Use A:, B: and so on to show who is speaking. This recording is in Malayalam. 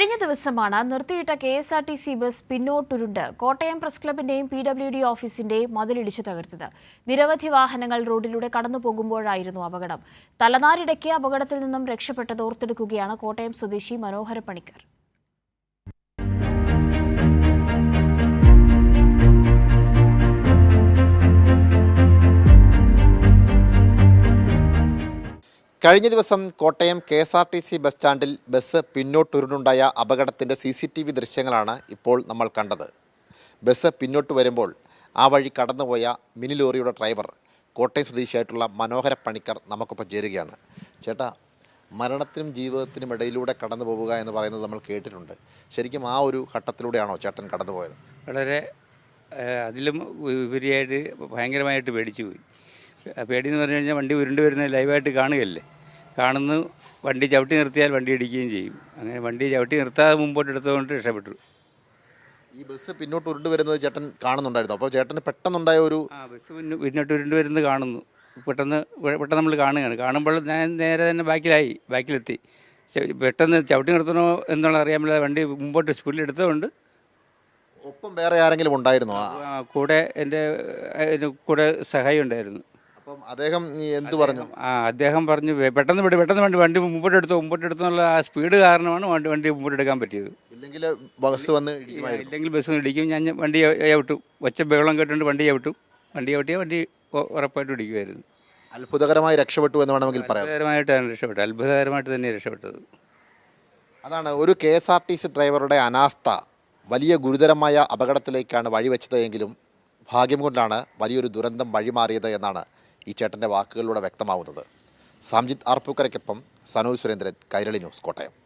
A: കഴിഞ്ഞ ദിവസമാണ് നിർത്തിയിട്ട KSRTC ബസ് പിന്നോട്ടുരുണ്ട് കോട്ടയം പ്രസ് ക്ലബിന്റെയും PWD ഓഫീസിന്റെയും മതിലിടിച്ചു തകർത്തത്. നിരവധി വാഹനങ്ങൾ റോഡിലൂടെ കടന്നുപോകുമ്പോഴായിരുന്നു അപകടം. തലനാരിടയ്ക്ക് അപകടത്തിൽ നിന്നും രക്ഷപ്പെട്ടത് ഓർത്തെടുക്കുകയാണ് കോട്ടയം സ്വദേശി മനോഹര പണിക്കർ.
B: കഴിഞ്ഞ ദിവസം കോട്ടയം KSRTC ബസ് സ്റ്റാൻഡിൽ ബസ് പിന്നോട്ടുരുണ്ടുണ്ടായ അപകടത്തിൻ്റെ CCTV ദൃശ്യങ്ങളാണ് ഇപ്പോൾ നമ്മൾ കണ്ടത്. ബസ് പിന്നോട്ട് വരുമ്പോൾ ആ വഴി കടന്നുപോയ മിനി ലോറിയുടെ ഡ്രൈവർ കോട്ടയം സ്വദേശിയായിട്ടുള്ള മനോഹര പണിക്കർ നമുക്കൊപ്പം ചേരുകയാണ്. ചേട്ടാ, മരണത്തിനും ജീവിതത്തിനും ഇടയിലൂടെ കടന്നു പോവുക എന്ന് പറയുന്നത് നമ്മൾ കേട്ടിട്ടുണ്ട്. ശരിക്കും ആ ഒരു ഘട്ടത്തിലൂടെയാണോ ചേട്ടൻ കടന്നുപോയത്?
C: വളരെ അതിലും ഉപരിയായിട്ട് ഭയങ്കരമായിട്ട് പേടിച്ചു പോയി. പേടിയെന്ന് പറഞ്ഞു കഴിഞ്ഞാൽ വണ്ടി ഉരുണ്ട് വരുന്നത് ലൈവായിട്ട് കാണുകയല്ലേ. കാണുന്നു, വണ്ടി ചവിട്ടി നിർത്തിയാൽ വണ്ടി ഇടിക്കുകയും ചെയ്യും. അങ്ങനെ വണ്ടി ചവിട്ടി നിർത്താതെ മുമ്പോട്ട് എടുത്തുകൊണ്ട് രക്ഷപ്പെട്ടു.
B: ഈ ബസ് പിന്നോട്ട് ഉരുണ്ട് വരുന്നത് ചേട്ടൻ കാണുന്നുണ്ടായിരുന്നു. അപ്പോൾ ചേട്ടന് പെട്ടെന്നുണ്ടായ ഒരു
C: ബസ് പിന്നോട്ട് ഉരുണ്ട് വരുന്നത് കാണുന്നു. പെട്ടെന്ന് നമ്മൾ കാണുകയാണ്. കാണുമ്പോൾ ഞാൻ നേരെ തന്നെ ബാക്കിലെത്തി. പെട്ടെന്ന് ചവിട്ടി നിർത്തണോ എന്നുള്ള അറിയാൻ പറ്റാതെ വണ്ടി മുമ്പോട്ട് സ്പീഡിൽ എടുത്തതുകൊണ്ട്.
B: ഒപ്പം വേറെ ആരെങ്കിലും ഉണ്ടായിരുന്നോ?
C: കൂടെ എൻ്റെ കൂടെ സഹായി ഉണ്ടായിരുന്നു.
B: അപ്പം അദ്ദേഹം എന്ത് പറഞ്ഞു?
C: അദ്ദേഹം പറഞ്ഞു പെട്ടെന്ന് വണ്ടി മുമ്പോട്ട് എടുത്തു എന്നുള്ള ആ സ്പീഡ് കാരണമാണ് വണ്ടി മുമ്പോട്ട് എടുക്കാൻ പറ്റിയത്.
B: ഇല്ലെങ്കിൽ ബസ് വന്ന്
C: ഇടിക്കും. ഞാൻ വണ്ടി ചവിട്ടും. ഒച്ച ബഹളം കേട്ടുകൊണ്ട് വണ്ടി ചവിട്ടിയാൽ വണ്ടി ഉറപ്പായിട്ട് ഇടിക്കുമായിരുന്നു.
B: അത്ഭുതകരമായി രക്ഷപ്പെട്ടു എന്ന് വേണമെങ്കിൽ പറയാം.
C: അത്ഭുതകരമായിട്ട് തന്നെ രക്ഷപ്പെട്ടത്.
B: അതാണ് ഒരു KSRTC ഡ്രൈവറുടെ അനാസ്ഥ വലിയ ഗുരുതരമായ അപകടത്തിലേക്കാണ് വഴിവെച്ചത് എങ്കിലും ഭാഗ്യം കൊണ്ടാണ് വലിയൊരു ദുരന്തം വഴിമാറിയത് എന്നാണ് ഈ ചേട്ടൻ്റെ വാക്കുകളിലൂടെ വ്യക്തമാവുന്നത്. സാംജിത് ആർപ്പൂക്കരയ്ക്കൊപ്പം സനോജ് സുരേന്ദ്രൻ, കൈരളി ന്യൂസ്, കോട്ടയം.